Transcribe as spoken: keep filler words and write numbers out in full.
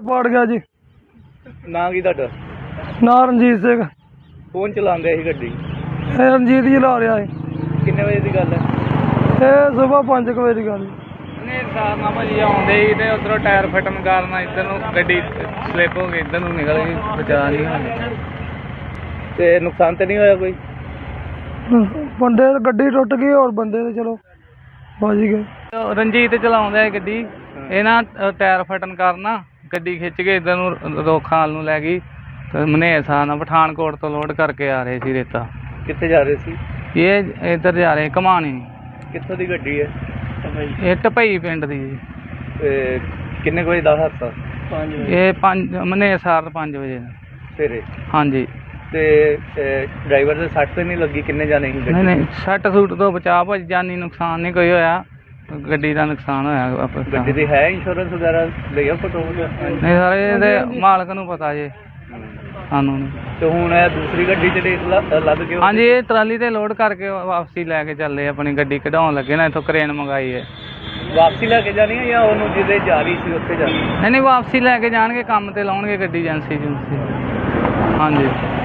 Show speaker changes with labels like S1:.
S1: ਪਾੜ ਗਿਆ ਜੀ।
S2: ਨਾਂ ਕੀ ਤੁਹਾਡਾ?
S1: ਨਾਂ ਰਣਜੀਤ ਸਿੰਘ।
S2: ਕੌਣ ਚਲਾਉਂਦੇ ਸੀ ਗੱਡੀ?
S1: ਇਹ ਰਣਜੀਤ ਜੀ ਲਾ ਰਿਹਾ ਹੈ।
S2: ਕਿੰਨੇ ਵਜੇ ਦੀ ਗੱਲ ਹੈ?
S1: ਇਹ ਸੁਬਾਹ ਪੰਜ ਕੁ ਵਜੇ ਦੀ ਗੱਲ।
S3: ਨੇ ਸਾਰ ਨਾਲ ਭਾਜੀ ਆਉਂਦੇ ਸੀ ਤੇ ਉਧਰੋਂ ਟਾਇਰ ਫਟਣ ਕਾਰਨ ਇੱਧਰ ਨੂੰ ਗੱਡੀ ਸਲਿੱਪ ਹੋ ਗਈ, ਇੱਧਰ ਨੂੰ ਨਿਕਲ ਗਈ, ਬਚਾ ਨਹੀਂ ਹੋਇਆ।
S2: ਤੇ ਨੁਕਸਾਨ ਤੇ ਨਹੀਂ ਹੋਇਆ ਕੋਈ?
S1: ਬੰਦੇ ਗੱਡੀ ਟੁੱਟ ਗਈ, ਹੋਰ ਬੰਦੇ ਤੇ ਚਲੋ ਬਚ ਗਏ।
S3: ਰਣਜੀਤ ਚਲਾਉਂਦਾ ਗੱਡੀ, ਇਹ ਨਾ ਟਾਇਰ ਫਟਣ ਕਾਰਨ ਗੱਡੀ ਖਿੱਚ ਕੇ ਇੱਧਰ ਨੂੰ ਰੋਖਾਲ ਨੂੰ ਲੈ ਗਈ ਤੇ ਮਨੇਰ ਸਾਹ ਨਾਲ ਪਠਾਨਕੋਟ ਤੋਂ ਲੋਡ ਕਰਕੇ ਆ ਰਹੇ ਸੀ ਰੇਤਾ।
S2: ਕਿੱਥੇ ਜਾ ਰਹੇ ਸੀ?
S3: ਇਹ ਇੱਧਰ ਜਾ ਰਹੇ ਘਮਾਣੀ।
S2: ਕਿੱਥੋਂ ਦੀ ਗੱਡੀ ਹੈ?
S3: ਇਹ ਢਪਈ ਪਿੰਡ ਦੀ ਜੀ।
S2: ਤੇ ਕਿੰਨੇ ਕੁ ਵਜੇ ਦਾ ਹਾਦਸਾ?
S3: ਇਹ ਪੰਜ ਮਨੇਰ ਸਾਰ ਪੰਜ ਵਜੇ
S2: ਸਵੇਰੇ।
S3: ਹਾਂਜੀ।
S2: ਤੇ ਡਰਾਈਵਰ ਦੇ ਸੱਟ ਤੇ ਨਹੀਂ ਲੱਗੀ? ਕਿੰਨੇ ਜਾਣੇ ਸੀ ਗੱਡੀ?
S3: ਨਹੀਂ ਨਹੀਂ ਸੱਟ ਸੂਟ ਤੋਂ ਬਚਾ ਭਾਜੀ, ਜਾਨੀ ਨੁਕਸਾਨ ਨਹੀਂ ਕੋਈ ਹੋਇਆ, ਗੱਡੀ ਦਾ ਨੁਕਸਾਨ ਹੋਇਆ।
S2: ਗੱਡੀ ਦੀ ਹੈ ਇੰਸ਼ੋਰੈਂਸ ਵਗੈਰਾ ਲਿਆ ਫੋਟੋ?
S3: ਨਹੀਂ ਸਾਰੇ ਇਹਦੇ ਮਾਲਕ ਨੂੰ ਪਤਾ ਜੇ, ਸਾਨੂੰ ਨਹੀਂ।
S2: ਤੇ ਹੁਣ ਇਹ ਦੂਸਰੀ ਗੱਡੀ ਜਿਹੜੀ ਲੱਦ ਕੇ?
S3: ਹਾਂਜੀ, ਇਹ ਟਰਾਲੀ ਤੇ ਲੋਡ ਕਰਕੇ ਵਾਪਸੀ ਲੈ ਕੇ ਚੱਲੇ, ਆਪਣੀ ਗੱਡੀ ਕਢਾਉਣ ਲੱਗੇ ਨਾ, ਇੱਥੋਂ ਕਰੇਨ ਮੰਗਾਈ ਹੈ।
S2: ਵਾਪਸੀ ਲੈ ਕੇ ਜਾਣੀ ਹੈ ਜਾਂ ਉਹਨੂੰ ਜਿਹਦੇ ਜਾ ਰਹੀ ਸੀ ਉੱਥੇ ਜਾਣੀ?
S3: ਨਹੀਂ ਨਹੀਂ ਵਾਪਸੀ ਲੈ ਕੇ ਜਾਣਗੇ, ਕੰਮ ਤੇ ਲਾਉਣਗੇ ਗੱਡੀ ਏਜੰਸੀ ਏਜੰਸੀ। ਹਾਂਜੀ।